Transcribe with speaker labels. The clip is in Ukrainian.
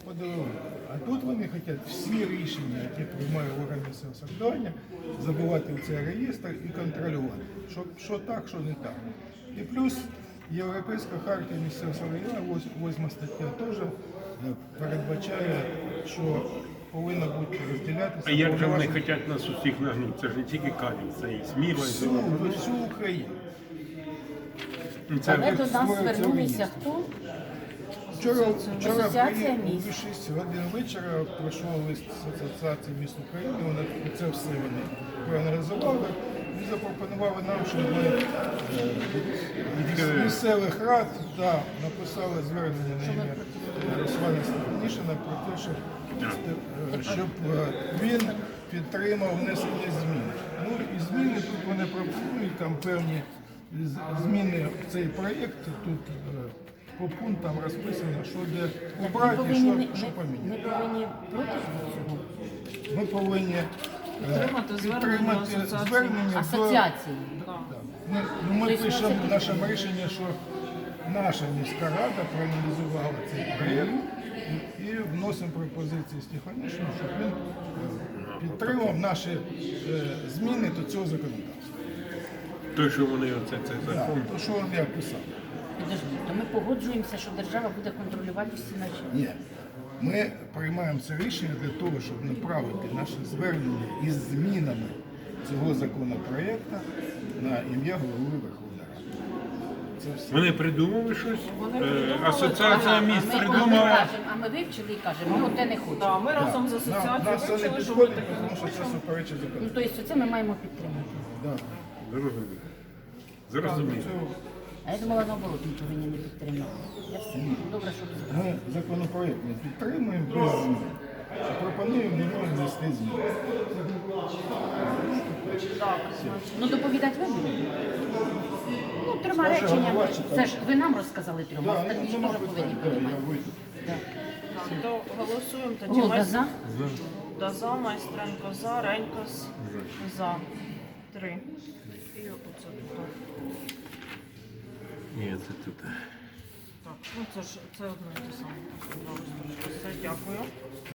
Speaker 1: подивилися. А тут вони хочуть всі рішення, які приймає орган місцевого самоврядування, забувати в цей реєстр і контролювати, що так, що не так. І плюс Європейська хартія місцевого самоврядування, 8 стаття теж передбачає, що повинно бути розділятися.
Speaker 2: А як же вони хочуть нас усіх нагнути? Це ж не тільки Канів, це і Сміла, і
Speaker 1: Всю Україну.
Speaker 3: Але до нас звернулися хто?
Speaker 1: Вчора
Speaker 3: Асоціація
Speaker 1: о
Speaker 3: міст.
Speaker 1: 6 годин вечора прийшов лист з Асоціації міст України, вони це все вони проаналізували і запропонували нам, щоб ми з місцевих рад написали звернення на ім'я Руслана Степанішина про те, щоб він підтримав внесення змін. Ну і зміни тут вони пропонують, там певні зміни в цей проєкт, тут по пунктам розписано, що де убрати і що поміняти.
Speaker 3: Ми повинні проти цього
Speaker 1: Ми повинні підтримати звернення до...
Speaker 3: асоціації.
Speaker 1: Ми пишемо в нашому рішенні, що наша міська рада проаналізувала цей проєкт і вносимо пропозиції Стефанішину, щоб він підтримав наші зміни до цього законодавства.
Speaker 2: той, що вони оце закон.
Speaker 1: То, що я писав.
Speaker 3: Підождіть, то ми погоджуємося, що держава буде контролювати всі наші.
Speaker 1: Ні. Ми приймаємо це рішення для того, щоб направити наше звернення із змінами цього законопроекту на ім'я голови Верховної Ради. Це все.
Speaker 2: Вони придумали щось, асоціація міст
Speaker 3: А
Speaker 2: придумала.
Speaker 3: ми вивчили і кажемо, ну те не хочемо.
Speaker 4: Так, ми разом з асоціацією
Speaker 1: Нас це не
Speaker 4: вирішили, що ми
Speaker 1: підходить,
Speaker 4: таке
Speaker 1: тому
Speaker 4: не
Speaker 1: що це
Speaker 4: хочемо.
Speaker 1: суперечить
Speaker 3: Ну,
Speaker 1: закону.
Speaker 3: тобто це ми маємо підтримати.
Speaker 1: Да.
Speaker 2: Зрозуміло. Зрозуміло.
Speaker 3: А я думала, наоборот, ми повинні не підтримати. Я все. Добре, що ви сказали.
Speaker 1: Ми законопроект не підтримуємо без змін. А пропонуємо в нього внести зміни.
Speaker 3: Ну, доповідати ви будете? Ну, трьома
Speaker 1: Скажи,
Speaker 3: реченнями.
Speaker 1: голова читає.
Speaker 3: Це ж ви нам розказали трьома,
Speaker 1: Да,
Speaker 3: остальні ж
Speaker 1: нема
Speaker 3: теж повинні
Speaker 1: питань, да, я
Speaker 3: приймати.
Speaker 1: вийду.
Speaker 3: Да.
Speaker 4: То голосуємо тоді.
Speaker 3: Голда за?
Speaker 4: За, Майстренко за, Ренькос за. 3. І оце тут.
Speaker 2: Ні, це тут.
Speaker 4: Так, ну це одно і те саме. Все, дякую.